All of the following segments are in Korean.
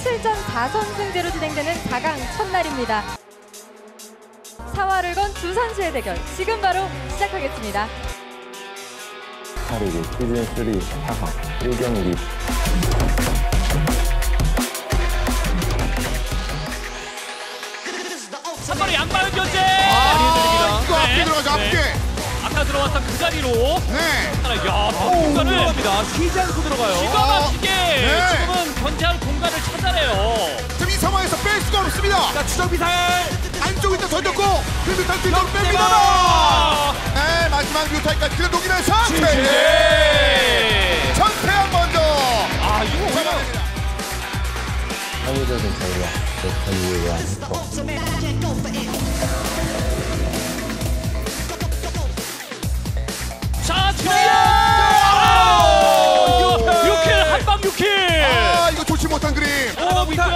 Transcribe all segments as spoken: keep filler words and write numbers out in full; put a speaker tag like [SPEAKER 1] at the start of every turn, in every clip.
[SPEAKER 1] 칠 전 사 선승제로 진행되는 사 강 첫날입니다. 사활을 건 두 선수의 대결 지금 바로 시작하겠습니다.
[SPEAKER 2] 스타리그 시즌 삼 사 강 일 경기
[SPEAKER 3] 한 번에 양방울 견제!
[SPEAKER 4] 아, 이거 앞에 들어가죠, 앞에.
[SPEAKER 3] 네. 아까 들어왔던 그 자리로.
[SPEAKER 4] 네.
[SPEAKER 3] 야, 공간을
[SPEAKER 5] 들어갑니다. 쉬지 않고 들어가요.
[SPEAKER 3] 기가 막히게
[SPEAKER 4] 네.
[SPEAKER 3] 지금은 견제할 공간을 찾아내요.
[SPEAKER 4] 지금 이 상황에서 뺄 수가 없습니다.
[SPEAKER 5] 자, 추적 미사일.
[SPEAKER 4] 안쪽에 또 던졌고, 그 뮤탈 뒤쪽으로 뺍니다. 네, 마지막 뮤탈까지 그냥 녹이면서 최재! 전태양 먼저.
[SPEAKER 3] 아, 이거 오히려.
[SPEAKER 2] 사회적인 자유와 내 자유에 대한 행복
[SPEAKER 3] 자, 주야! 육 킬, 한방 육 킬!
[SPEAKER 4] 아, 이거 좋지 못한 그림.
[SPEAKER 3] 날아가고 있고요.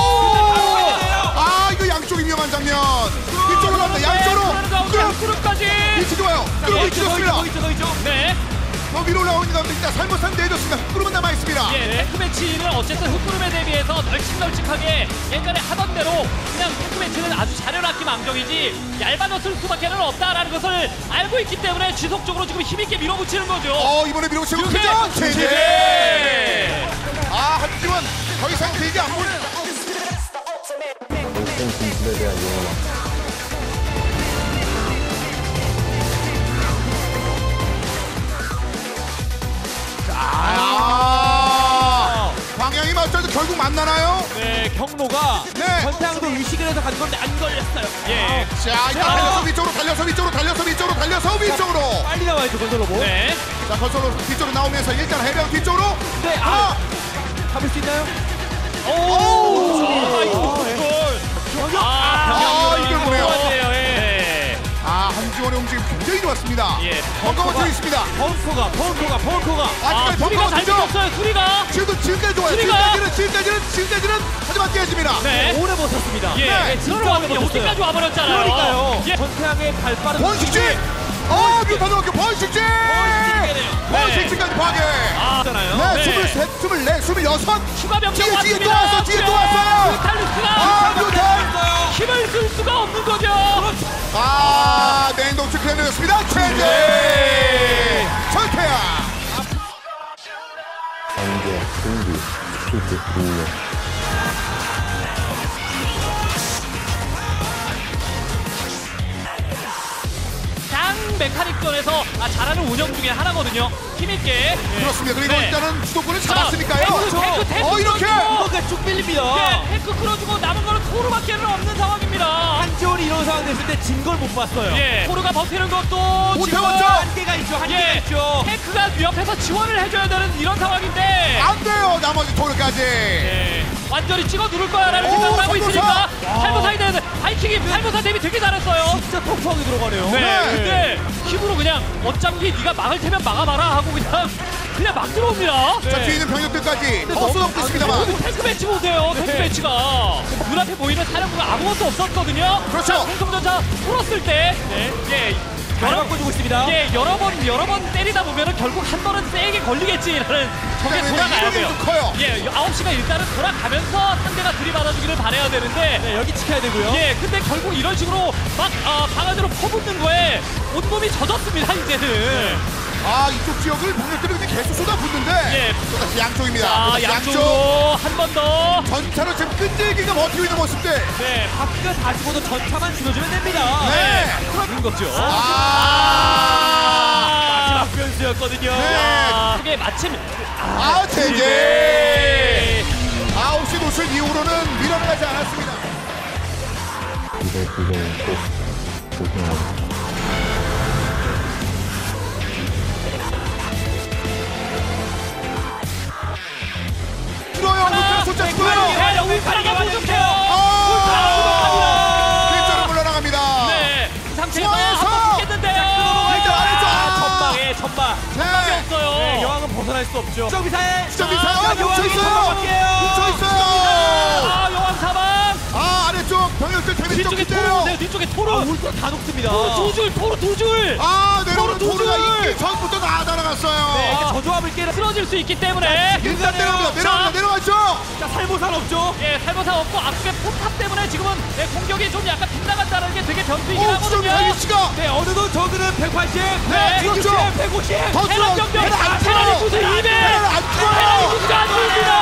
[SPEAKER 4] 아, 이거 양쪽이 위험한 장면. 이쪽으로 갑니다. 양쪽으로.
[SPEAKER 3] 끌어, 끌어까지.
[SPEAKER 4] 위치 좋아요. 끌고 있습니다.
[SPEAKER 3] 더 있죠, 더 있죠. 네.
[SPEAKER 4] 더 위로 올라오는 가운데 일단 살못한 내줬습니다. 흑구름은 남아있습니다.
[SPEAKER 3] 예, 테크 매치는 어쨌든 흑구름에 대비해서 널찍널찍하게 예전에 하던 대로 그냥 테크 매치는 아주 자료라기 망정이지 얇아졌을 수밖에는 없다라는 것을 알고 있기 때문에 지속적으로 지금 힘있게 밀어붙이는 거죠.
[SPEAKER 4] 어, 이번에 밀어붙이고
[SPEAKER 3] 이렇게
[SPEAKER 4] 크죠?
[SPEAKER 3] 최재!
[SPEAKER 4] 최재! 아, 하지만 더 이상 길게 안 보내요.
[SPEAKER 2] 결승 진출에 대한 용어
[SPEAKER 4] 아, 방향이 맞춰도 결국 만나나요?
[SPEAKER 5] 네, 경로가
[SPEAKER 4] 네.
[SPEAKER 5] 전태양도 의식을 해서 간 건데 안 걸렸어요.
[SPEAKER 3] 예.
[SPEAKER 4] 자, 일단
[SPEAKER 3] 자.
[SPEAKER 4] 달려서 위쪽으로, 달려서 위쪽으로, 달려서 위쪽으로, 달려서 위쪽으로.
[SPEAKER 5] 빨리 나와야죠, 건설로보.
[SPEAKER 3] 네.
[SPEAKER 4] 자, 건설로 뒤쪽으로 나오면서 일단 해병 뒤쪽으로.
[SPEAKER 5] 네, 아, 잡을 수 있나요?
[SPEAKER 3] 오! 아, 이거 골. 아,
[SPEAKER 4] 아, 이걸 보네요.
[SPEAKER 3] 좋았네요. 예.
[SPEAKER 4] 아, 한지원의 움직임 굉장히 좋았습니다.
[SPEAKER 3] 예.
[SPEAKER 4] 벙커 맞춰 있습니다.
[SPEAKER 5] 벙커가, 벙커가, 벙커가.
[SPEAKER 3] 아,
[SPEAKER 4] 아직까지
[SPEAKER 3] 수리가
[SPEAKER 4] 벙커
[SPEAKER 3] 잘
[SPEAKER 4] 맞죠?
[SPEAKER 3] 붙었어요. 수리가.
[SPEAKER 4] 지금도 지금까지 좋아요.
[SPEAKER 3] 수리가.
[SPEAKER 4] 지금까지는, 지금까지는, 지금까지는 하지만 깨집니다.
[SPEAKER 3] 네.
[SPEAKER 5] 오래 버텼습니다.
[SPEAKER 3] 예.
[SPEAKER 4] 네.
[SPEAKER 3] 진짜 여기까지 와버렸잖아요.
[SPEAKER 5] 그러니까요.
[SPEAKER 3] 예.
[SPEAKER 5] 전태양의 발 빠른
[SPEAKER 4] 번식지! 어, 뮤탄 넣었고 번식지! 번식지까지 파괴!
[SPEAKER 3] 아,
[SPEAKER 5] 잖아요.
[SPEAKER 4] 네,
[SPEAKER 3] 네.
[SPEAKER 4] 스물셋, 스물넷, 스물여섯!
[SPEAKER 3] 추가 병력
[SPEAKER 4] 뒤에, 뒤에
[SPEAKER 3] 왔습니다.
[SPEAKER 4] 또 왔어, 뒤에 또 왔어요!
[SPEAKER 3] 뮤탈리스가
[SPEAKER 4] 아, 뮤탄!
[SPEAKER 3] 힘을 쓸 수가 없는 거죠.
[SPEAKER 4] 아, 냉동축 해내렸습니다. 최재! 전태양!
[SPEAKER 2] 경제, 승기, 스피드, 능력
[SPEAKER 3] 장 메카닉전에서 아, 잘하는 운영 중에 하나거든요. 힘있게.
[SPEAKER 4] 그렇습니다. 그리고
[SPEAKER 3] 네.
[SPEAKER 4] 일단은 주도권을
[SPEAKER 3] 자,
[SPEAKER 4] 잡았으니까요.
[SPEAKER 3] 탱크, 탱크, 탱크
[SPEAKER 4] 어, 이렇게!
[SPEAKER 3] 끌어주고.
[SPEAKER 5] 벙커가 쭉 밀립니다.
[SPEAKER 3] 네, 탱크 끌어주고 남은 거는 토르밖에는 없는 상황입니다.
[SPEAKER 5] 한지원이 이런 상황 됐을 때 진 걸 못 봤어요.
[SPEAKER 3] 예, 토르가 버티는 것도
[SPEAKER 4] 못
[SPEAKER 3] 지금
[SPEAKER 4] 해왔죠?
[SPEAKER 5] 한계가 있죠, 한계가
[SPEAKER 3] 예,
[SPEAKER 5] 있죠.
[SPEAKER 3] 탱크가 옆에서 지원을 해줘야 되는 이런 상황인데
[SPEAKER 4] 안 돼요, 나머지 토르까지.
[SPEAKER 3] 예, 완전히 찍어 누를 거야라는
[SPEAKER 4] 오,
[SPEAKER 3] 생각을 하고
[SPEAKER 4] 살모사!
[SPEAKER 3] 있으니까 살모사에 대해서 바이킹이 살모사 대비 되게 잘했어요.
[SPEAKER 5] 진짜 톡톡하게 들어가네요.
[SPEAKER 3] 네,
[SPEAKER 4] 네.
[SPEAKER 3] 근데 힘으로 그냥 어차피 네가 막을 테면 막아봐라 하고 그냥 그냥 막 들어옵니다.
[SPEAKER 4] 자, 뒤에 있는 병력들까지 더 쏟아붓고 있습니다만.
[SPEAKER 3] 여기 탱크 매치 보세요. 탱크
[SPEAKER 5] 네.
[SPEAKER 3] 매치가 눈앞에 보이는 사령부가 아무것도 없었거든요.
[SPEAKER 4] 그렇죠.
[SPEAKER 3] 공성전차 풀었을 때, 예,
[SPEAKER 5] 잘
[SPEAKER 3] 여러,
[SPEAKER 5] 바꿔주고 있습니다.
[SPEAKER 3] 예, 여러 번 여러 번 때리다 보면은 결국 한 번은 세게 걸리겠지라는 저게
[SPEAKER 4] 그다음에
[SPEAKER 3] 돌아가야
[SPEAKER 4] 이동이
[SPEAKER 3] 돼요.
[SPEAKER 4] 좀 커요.
[SPEAKER 3] 예, 아홉 시가 일단은 돌아가면서 상대가 들이받아주기를 바라야 되는데.
[SPEAKER 5] 네, 여기 지켜야 되고요.
[SPEAKER 3] 예, 근데 결국 이런 식으로 막 아, 방안으로 퍼붓는 거에 온몸이 젖었습니다 이제는.
[SPEAKER 4] 아, 이쪽 지역을 병력들이 그냥 계속 쏟아붓는데.
[SPEAKER 3] 예.
[SPEAKER 4] 또다시 양쪽입니다.
[SPEAKER 3] 자,
[SPEAKER 4] 또다시
[SPEAKER 3] 양쪽으로 한 번 더.
[SPEAKER 4] 전차로 지금 끈질기게 버티고 있는 모습들.
[SPEAKER 3] 네,
[SPEAKER 5] 바퀴가 다 죽어도 전차만 줄여주면 됩니다.
[SPEAKER 4] 네.
[SPEAKER 3] 그런 거죠.
[SPEAKER 4] 아,
[SPEAKER 5] 마지막 변수였거든요.
[SPEAKER 4] 네.
[SPEAKER 3] 그게 마침
[SPEAKER 4] 아, 제재. 아홉 시 노출 이후로는 밀어나가지 않았습니다.
[SPEAKER 2] 이번 시즌은 꼭 우승하고
[SPEAKER 4] 들어요. 울트라 숫자 들어요.
[SPEAKER 3] 울타리가 부족해요.
[SPEAKER 4] 아, 뒷자로 물러나갑니다.
[SPEAKER 3] 네, 이 상태에서
[SPEAKER 4] 중앙에서!
[SPEAKER 3] 한번 붙겠는데요.
[SPEAKER 4] 일단 아래쪽.
[SPEAKER 5] 아, 전방에 전방.
[SPEAKER 4] 네.
[SPEAKER 3] 없어요.
[SPEAKER 5] 네, 여왕은 벗어날 수 없죠. 수정 미사일.
[SPEAKER 4] 수정 미사일.
[SPEAKER 5] 아,
[SPEAKER 4] 뭉쳐 있어요.
[SPEAKER 5] 여왕이
[SPEAKER 4] 뭉쳐 있어요.
[SPEAKER 3] 아, 여왕 사방.
[SPEAKER 4] 아 아래쪽 병력들 데미지 좀
[SPEAKER 3] 뒤쪽에
[SPEAKER 4] 기대요.
[SPEAKER 3] 토르, 네, 뒤쪽에 토르.
[SPEAKER 5] 아, 울트라 다 녹습니다.
[SPEAKER 3] 토르 두 줄, 토르 두 줄.
[SPEAKER 4] 아 내려오는
[SPEAKER 3] 토르 두
[SPEAKER 4] 토르가
[SPEAKER 3] 줄.
[SPEAKER 4] 있기 전부터 다 날아갔어요.
[SPEAKER 5] 네, 이게
[SPEAKER 3] 아.
[SPEAKER 5] 저조합을 깨는.
[SPEAKER 3] 쓰러질 수 있기 때문에.
[SPEAKER 4] 일단 내려옵니다.
[SPEAKER 3] 자.
[SPEAKER 4] 내려옵니다. 내려가죠.
[SPEAKER 5] 자, 살모산 없죠.
[SPEAKER 3] 예, 살모사 없고 앞쪽에 포탑 때문에 지금은 네, 공격이 좀 약간 빗나간다는 게 되게 변수이긴
[SPEAKER 4] 오
[SPEAKER 3] 하거든요.
[SPEAKER 4] 수정이 위치가
[SPEAKER 5] 네, 어느덧 저그는 백팔십,
[SPEAKER 3] 네,
[SPEAKER 5] 백육십,
[SPEAKER 4] 그렇죠.
[SPEAKER 5] 백오십.
[SPEAKER 4] 더
[SPEAKER 3] 테란
[SPEAKER 4] 줄어.
[SPEAKER 3] 병력,
[SPEAKER 4] 테란 안
[SPEAKER 3] 테란이
[SPEAKER 4] 줄어.
[SPEAKER 3] 구수 이백.
[SPEAKER 4] 테란 안
[SPEAKER 3] 테란이
[SPEAKER 4] 줄어.
[SPEAKER 3] 구수가 안 보입니다.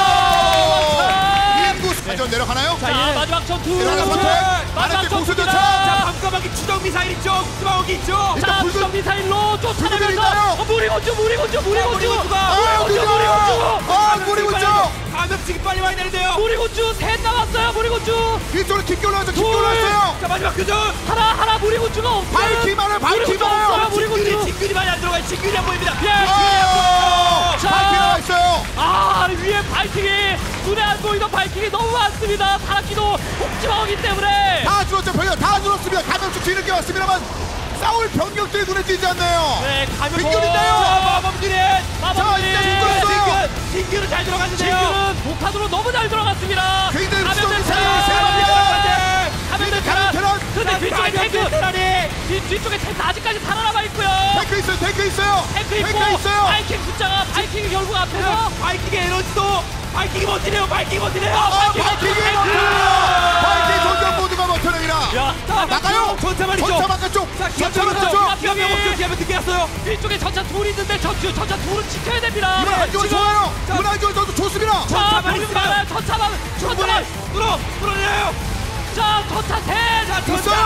[SPEAKER 4] 인구 사전 내려가나요?
[SPEAKER 3] 자,
[SPEAKER 5] 얘는-
[SPEAKER 3] 마지막 전투.
[SPEAKER 4] 내려가는 선택.
[SPEAKER 3] 마지막
[SPEAKER 4] 아래쪽 공수
[SPEAKER 3] 전투입니다.
[SPEAKER 4] 전차.
[SPEAKER 5] 자, 밤까마귀 추적 미사일 있죠. 스마워기 있죠.
[SPEAKER 4] 일단
[SPEAKER 3] 자,
[SPEAKER 4] 붉은-
[SPEAKER 3] 수정 미사일로
[SPEAKER 4] 붉은
[SPEAKER 3] 쫓아내면서
[SPEAKER 4] 있나요?
[SPEAKER 3] 어, 무리군주, 무리군주, 무리군주,
[SPEAKER 5] 무리군주가-
[SPEAKER 4] 아
[SPEAKER 3] 무리군주,
[SPEAKER 4] 우리가
[SPEAKER 3] 무리군주,
[SPEAKER 4] 아 무리군주.
[SPEAKER 5] 감염증이 빨리 와야 되는데요.
[SPEAKER 3] 무리군주 셋 나왔어요. 무리군주
[SPEAKER 4] 뒤쪽으로 깊게 올라왔죠. 깊게
[SPEAKER 3] 둘.
[SPEAKER 4] 올라왔어요.
[SPEAKER 5] 자, 마지막 교전.
[SPEAKER 3] 하나 하나 무리군주가 없어요.
[SPEAKER 4] 밝히만을
[SPEAKER 3] 무리군주
[SPEAKER 4] 밝히만을.
[SPEAKER 3] 없어요.
[SPEAKER 5] 진균이,
[SPEAKER 3] 무리군주.
[SPEAKER 5] 진균이 많이 안 들어가요. 진균이 안 보입니다.
[SPEAKER 3] 예.
[SPEAKER 4] 아
[SPEAKER 3] 자.
[SPEAKER 4] 밝히 나와 있어요.
[SPEAKER 3] 아 위에 바이킹이 눈에 안 보이던 바이킹이 너무 많습니다. 타락기도 폭지마오기 때문에.
[SPEAKER 4] 다 줄었죠. 병력 다 줄었습니다. 감염충 뒤늦게 왔습니다만 싸울 병력들이 눈에 띄지 않네요.
[SPEAKER 3] 네 가면
[SPEAKER 4] 진균인데요.
[SPEAKER 5] 마법들이.
[SPEAKER 4] 자
[SPEAKER 3] 마법이
[SPEAKER 4] 이제 죽었어요.
[SPEAKER 5] 진균, 진균은 잘 들어갔는데요.
[SPEAKER 3] 진균은 목탄으로 너무 잘 들어갔습니다.
[SPEAKER 4] 굉장히
[SPEAKER 3] 가면
[SPEAKER 4] 수정이
[SPEAKER 3] 됐어요.
[SPEAKER 4] 세- 세 마리가
[SPEAKER 3] 가면
[SPEAKER 4] 가면
[SPEAKER 3] 됐어요.
[SPEAKER 4] 테란.
[SPEAKER 3] 근데 뒤쪽에 탱크
[SPEAKER 5] 테란이.
[SPEAKER 3] 뒤, 뒤쪽에 탱크 아직까지 살아남아 있고요.
[SPEAKER 4] 탱크 있어요. 탱크 있어요.
[SPEAKER 3] 탱크 있고
[SPEAKER 4] 탱크 있어요.
[SPEAKER 3] 바이킹 숫자가 바이킹이 결국 앞에서
[SPEAKER 5] 바이킹의 에너지도 바이킹이 버티네요. 바이킹이 버티네요.
[SPEAKER 3] 아,
[SPEAKER 4] 아
[SPEAKER 3] 바이킹,
[SPEAKER 4] 바이킹이
[SPEAKER 3] 바이킹.
[SPEAKER 4] 버텨요. 바이킹 전장 모두가 버텨냅니다.
[SPEAKER 3] 야, 자,
[SPEAKER 4] 나가요.
[SPEAKER 5] 전차 말이죠.
[SPEAKER 4] 전차 바깥쪽.
[SPEAKER 5] 자,
[SPEAKER 4] 전차
[SPEAKER 5] 기합
[SPEAKER 4] 바깥쪽.
[SPEAKER 5] 기합 기합 없죠. 기합을 늦게 갔어요.
[SPEAKER 3] 뒤쪽에 전차 둘이 있는데 저, 저, 전차 둘은 지켜야 됩니다.
[SPEAKER 4] 이번 한쪽은
[SPEAKER 3] 지금
[SPEAKER 4] 좋아요.
[SPEAKER 5] 자,
[SPEAKER 4] 이번 한쪽은 저도 좋습니다.
[SPEAKER 3] 자,
[SPEAKER 5] 전차만
[SPEAKER 3] 병력
[SPEAKER 5] 있으면
[SPEAKER 3] 많아요. 전차만,
[SPEAKER 5] 충분히
[SPEAKER 3] 전차만.
[SPEAKER 5] 뚫어 뚫어내요.
[SPEAKER 3] 자, 전차 셋.
[SPEAKER 5] 자,
[SPEAKER 4] 있어요.
[SPEAKER 5] 전차.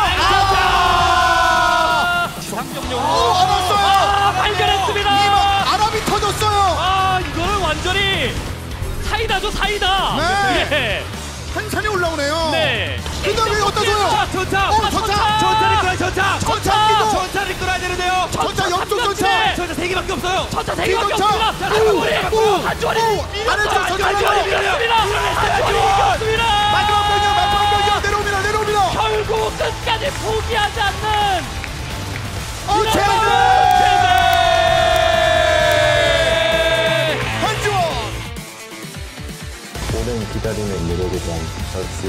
[SPEAKER 4] 아.
[SPEAKER 3] 지상병력.
[SPEAKER 4] 오 알았어요.
[SPEAKER 3] 아, 발견했습니다.
[SPEAKER 4] 이번 아랍이 터졌어요.
[SPEAKER 3] 아, 이거는 완전히 사이다죠, 사이다.
[SPEAKER 4] 네.
[SPEAKER 3] 예.
[SPEAKER 4] 한산이 올라오네요.
[SPEAKER 3] 네.
[SPEAKER 4] 그다음에 어디다 줘요?
[SPEAKER 5] 자, 전차.
[SPEAKER 4] 어, 전차.
[SPEAKER 5] 전차를 끌어야 전차.
[SPEAKER 4] 전차 끼고.
[SPEAKER 5] 전차를 끌어야 되는데요.
[SPEAKER 4] 전차 옆쪽 전차.
[SPEAKER 3] 네.
[SPEAKER 5] 전차 세 개밖에 없어요.
[SPEAKER 3] 전차 세 개밖에
[SPEAKER 4] 전차.
[SPEAKER 3] 없습니다. 자,
[SPEAKER 4] 오,
[SPEAKER 3] 한주원이,
[SPEAKER 4] 오,
[SPEAKER 3] 한주원이
[SPEAKER 4] 오.
[SPEAKER 3] 밀었어요.
[SPEAKER 4] 아래쪽 전차
[SPEAKER 3] 한주원이
[SPEAKER 4] 밀어요.
[SPEAKER 3] 밀었습니다. 한주원이 이겼습니다.
[SPEAKER 4] 마지막 병력 마지막 병력 내려옵니다. 내려옵니다.
[SPEAKER 3] 결국 끝까지 포기하지 않는
[SPEAKER 4] 어
[SPEAKER 3] 이런
[SPEAKER 4] 제재.
[SPEAKER 3] 제재.
[SPEAKER 4] 한지원.
[SPEAKER 2] 오랜 기다림의 노력에 대한 결실.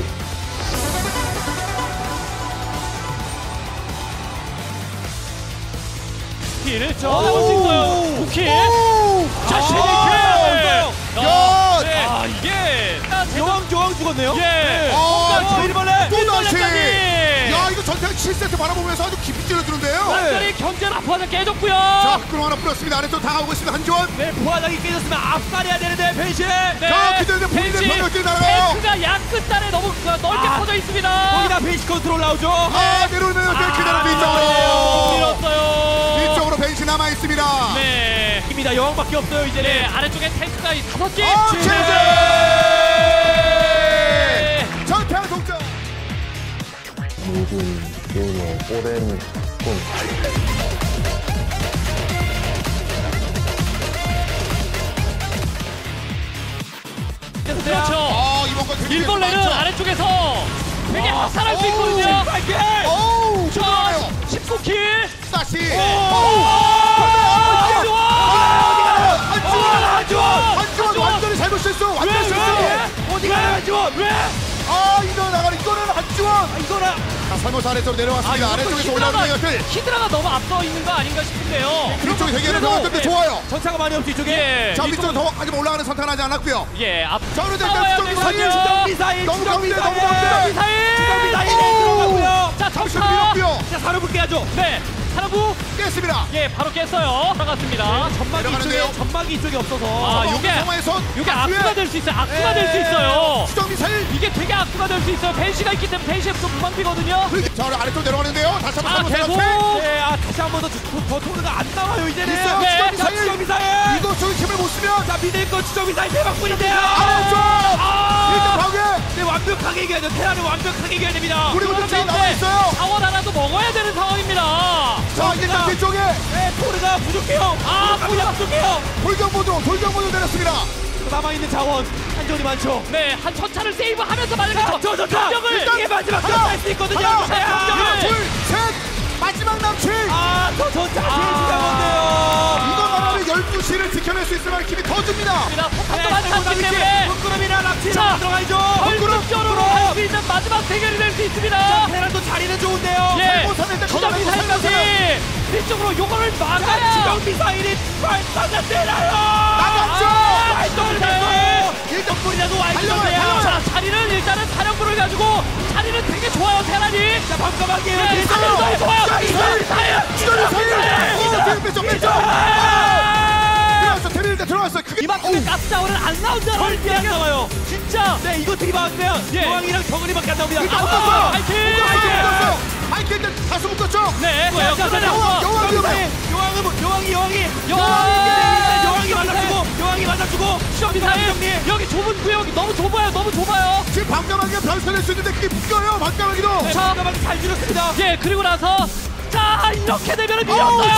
[SPEAKER 3] 킬을 잡을 수 있어요. 쿠키.
[SPEAKER 4] 오.
[SPEAKER 3] 자신
[SPEAKER 4] 아.
[SPEAKER 3] 있게.
[SPEAKER 4] 야.
[SPEAKER 3] 네. 아, 이게
[SPEAKER 5] 여왕 여왕 죽었네요.
[SPEAKER 3] 예.
[SPEAKER 4] 아,
[SPEAKER 5] 저 일벌레.
[SPEAKER 4] 또 다시.
[SPEAKER 3] 일벌레까지.
[SPEAKER 4] 야 이거 전태양 칠 세트 바라보면서 아주 깊이 찔러주는데요.
[SPEAKER 3] 완전히 견제를 앞으로 깨졌고요.
[SPEAKER 4] 자 끌어 하나 뿌렸습니다. 아래쪽 당하고 있습니다. 한지원.
[SPEAKER 5] 네, 부하장이 깨졌으면 앞살해야 되는데 변신.
[SPEAKER 3] 네.
[SPEAKER 4] 자, 기대는데 본인의
[SPEAKER 3] 벤치,
[SPEAKER 4] 병력들이 날아가요.
[SPEAKER 3] 탱크가 양 끝단에 너무 넓게
[SPEAKER 5] 아.
[SPEAKER 3] 퍼져 있습니다.
[SPEAKER 5] 거기다 벤시 컨트롤 나오죠.
[SPEAKER 4] 아 내려오면 벤치 되는
[SPEAKER 3] 못
[SPEAKER 4] 뒤쪽으로.
[SPEAKER 3] 밀었어요.
[SPEAKER 4] 뒤쪽으로 벤치 남아 있습니다.
[SPEAKER 3] 네.
[SPEAKER 5] 입니다. 여왕밖에 없어요 이제는.
[SPEAKER 3] 네, 아래쪽에 탱크가 이 다섯 개.
[SPEAKER 4] 아
[SPEAKER 3] 네.
[SPEAKER 4] 제재.
[SPEAKER 3] 네.
[SPEAKER 4] 전태양 동점.
[SPEAKER 2] 모든 게임의 오랜 꿈.
[SPEAKER 3] 그렇죠.
[SPEAKER 4] 아 이번 건 되게
[SPEAKER 3] 일벌레는
[SPEAKER 4] 많죠.
[SPEAKER 3] 아래쪽에서 되게 확산할 수
[SPEAKER 4] 오,
[SPEAKER 3] 있거든요.
[SPEAKER 5] 빨개.
[SPEAKER 4] 오우
[SPEAKER 3] 자,
[SPEAKER 4] 좋아요.
[SPEAKER 3] 십구 킬.
[SPEAKER 4] 다시.
[SPEAKER 3] 한주원.
[SPEAKER 4] 한지원.
[SPEAKER 3] 한주원.
[SPEAKER 4] 한지원 완전히 잘못 실수. 완전 실수.
[SPEAKER 5] 어디 가요 한지원?
[SPEAKER 3] 왜?
[SPEAKER 4] 아 이거 나가는 이거는 한지원.
[SPEAKER 5] 아, 이거라.
[SPEAKER 4] 자 살모사 아래쪽으로 내려왔습니다. 아래쪽에서 올라오는 병력들.
[SPEAKER 3] 히드라가 너무 앞서 있는 거 아닌가 싶은데요.
[SPEAKER 4] 뒤쪽에 대기하는
[SPEAKER 3] 그래도,
[SPEAKER 4] 병력들 좋아요.
[SPEAKER 5] 전차가 많이 없죠 이쪽에.
[SPEAKER 3] 예.
[SPEAKER 4] 자
[SPEAKER 3] 이쪽은-
[SPEAKER 4] 밑으로 더 하지만 올라가는 선택은 하지 않았고요.
[SPEAKER 3] 예, 앞.
[SPEAKER 4] 자 그런데
[SPEAKER 3] 싸워야
[SPEAKER 4] 일단 수정
[SPEAKER 3] 되거든요.
[SPEAKER 4] 미사일.
[SPEAKER 5] 수정 미사일.
[SPEAKER 4] 너무
[SPEAKER 5] 수정
[SPEAKER 4] 가운데,
[SPEAKER 5] 미사일.
[SPEAKER 4] 너무 가운데.
[SPEAKER 3] 미사일.
[SPEAKER 5] 수정 미사일 들어가고요.
[SPEAKER 3] 자,
[SPEAKER 4] 잠시
[SPEAKER 3] 점차.
[SPEAKER 4] 밀었고요.
[SPEAKER 5] 자, 사르부 깨야죠.
[SPEAKER 3] 네, 사라부.
[SPEAKER 4] 깼습니다.
[SPEAKER 3] 예, 바로 깼어요. 들어갔습니다.
[SPEAKER 5] 전막이
[SPEAKER 4] 내려가는데요.
[SPEAKER 5] 이쪽에 전막이 이쪽에 없어서.
[SPEAKER 3] 아, 요게
[SPEAKER 4] 상황의 손.
[SPEAKER 3] 이게 악수가 될 수 있어요. 악수가 될 수
[SPEAKER 5] 예.
[SPEAKER 3] 있어요.
[SPEAKER 4] 수정 미사일.
[SPEAKER 3] 이게 되게 악수가 될 수 있어요. 벤시가 있기 때문에 벤시에 좀 무방비거든요.
[SPEAKER 4] 자 아래쪽 내려가는데요. 다시
[SPEAKER 3] 아,
[SPEAKER 4] 한번
[SPEAKER 3] 계속.
[SPEAKER 4] 살모사
[SPEAKER 5] 네, 아 다시 한 번 더 더 토르가 안 나와요 이제는.
[SPEAKER 4] 있어요.
[SPEAKER 3] 네.
[SPEAKER 4] 수정
[SPEAKER 5] 자,
[SPEAKER 4] 미사일.
[SPEAKER 5] 추적 미사일.
[SPEAKER 4] 이거 저기 힘을 못 쓰면
[SPEAKER 5] 자, 미들 거 추적 미사일 대박뿐인데요.
[SPEAKER 4] 아래쪽. 일단 파괴.
[SPEAKER 5] 네, 완벽하게 이겨야 돼요. 테란을 완벽하게 이겨야 됩니다.
[SPEAKER 4] 우리 분들 지금 나와 있어요.
[SPEAKER 3] 자원 하나도 먹어야 되는 상황입니다.
[SPEAKER 4] 자 일단 뒤쪽에
[SPEAKER 5] 네, 토르가 부족해요.
[SPEAKER 3] 아,
[SPEAKER 5] 토르가 부족해요.
[SPEAKER 4] 돌격모드로 돌격모드로 내렸습니다.
[SPEAKER 5] 남아있는 자원 한전이 많죠.
[SPEAKER 3] 네, 한 천차를 세이브하면서 만약에
[SPEAKER 5] 자,
[SPEAKER 3] 저
[SPEAKER 5] 저, 저, 자,
[SPEAKER 3] 병력을
[SPEAKER 5] 이게 마지막
[SPEAKER 4] 하나,
[SPEAKER 5] 전차일 수 있거든요.
[SPEAKER 4] 하나,
[SPEAKER 5] 자,
[SPEAKER 3] 하나,
[SPEAKER 4] 둘, 셋. 마지막 남친.
[SPEAKER 5] 아, 저 전차 제일
[SPEAKER 3] 아.
[SPEAKER 5] 중요한 건데요.
[SPEAKER 4] 이거 말하면 열두 시를 지켜낼 수 있을 만한 힘이 더 줍니다.
[SPEAKER 3] 폭탄도
[SPEAKER 5] 네,
[SPEAKER 3] 많지 않기 때문에
[SPEAKER 5] 부끄러움이나 납치나
[SPEAKER 3] 자,
[SPEAKER 5] 들어가야죠.
[SPEAKER 3] 결승적으로 갈 수 시즌 마지막 대결이 될 수 있습니다.
[SPEAKER 5] 테란도 자리는 좋은데요.
[SPEAKER 3] 예,
[SPEAKER 4] 살고사는데
[SPEAKER 3] 추적
[SPEAKER 4] 거기
[SPEAKER 3] 미사일까지
[SPEAKER 4] 살고사는.
[SPEAKER 3] 뒤쪽으로 요거를 막아야.
[SPEAKER 5] 지정 미사일이 발사가 되나요?
[SPEAKER 4] 나갔죠.
[SPEAKER 5] 발동을 됐어요. 일단 뿌리라도 와
[SPEAKER 4] 달려가요,
[SPEAKER 5] 있는데요.
[SPEAKER 4] 달려가요.
[SPEAKER 3] 자, 자리는 일단은 사령부를 가지고 자리는 되게 좋아요, 테란이.
[SPEAKER 5] 자, 밤까마귀에요.
[SPEAKER 3] 네,
[SPEAKER 5] 뒤에서
[SPEAKER 3] 자리는 너무 좋아요.
[SPEAKER 4] 자,
[SPEAKER 3] 미사일, 미사일.
[SPEAKER 4] 기다려 사일. 오, 뒤로 뺐죠, 뺐죠. 들어왔어, 데뷔일때 들어왔어. 그게
[SPEAKER 3] 이만큼의 가스 자원은 안 나온다는
[SPEAKER 5] 절대 안 나와요.
[SPEAKER 3] 진짜.
[SPEAKER 5] 네, 이거 들이박으면
[SPEAKER 3] 예.
[SPEAKER 5] 여왕이랑 정은이밖에 안 나옵니다.
[SPEAKER 4] 일단
[SPEAKER 5] 아,
[SPEAKER 4] 묶었어요.
[SPEAKER 3] 파이팅!
[SPEAKER 4] 묶었어요. 파이팅 때 다수 묶었죠.
[SPEAKER 3] 네,
[SPEAKER 5] 뭐예요?
[SPEAKER 3] 자, 자, 자,
[SPEAKER 4] 여왕,
[SPEAKER 3] 자,
[SPEAKER 4] 여왕 위험해.
[SPEAKER 5] 네, 여왕은 뭐- 여왕이 여왕이
[SPEAKER 3] 여왕!
[SPEAKER 5] 여왕이 맞아주고 여왕이 맞아주고
[SPEAKER 3] 추적 미사일.
[SPEAKER 5] 정리.
[SPEAKER 3] 여기 좁은 구역이 너무 좁아요, 너무 좁아요.
[SPEAKER 4] 지금 방감하기가 변수될 수 있는데 그게 묶여요. 방감하기도.
[SPEAKER 5] 네, 밤까마귀 잘 줄였습니다.
[SPEAKER 3] 예, 그리고 나서 자, 이렇게 되면
[SPEAKER 4] 어우,
[SPEAKER 3] 밀었어요.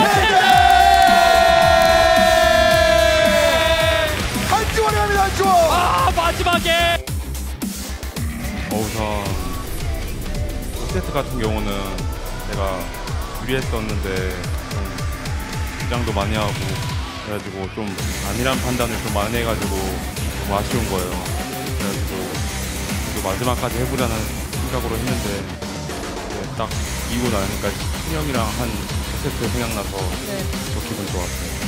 [SPEAKER 4] 한지원이 합니다. 한지원.
[SPEAKER 3] 아, 마지막에
[SPEAKER 6] 어, 우선 첫 세트 같은 경우는 제가 유리했었는데 좀 긴장도 많이 하고 그래가지고 좀 안일한 판단을 좀 많이 해가지고 좀 아쉬운 거예요. 그래가지고 그래도 마지막까지 해보자는 생각으로 했는데 이제 딱 이기고 나니까 신영이랑 한 첫 세트 생각나서 더 기분 좋았어요.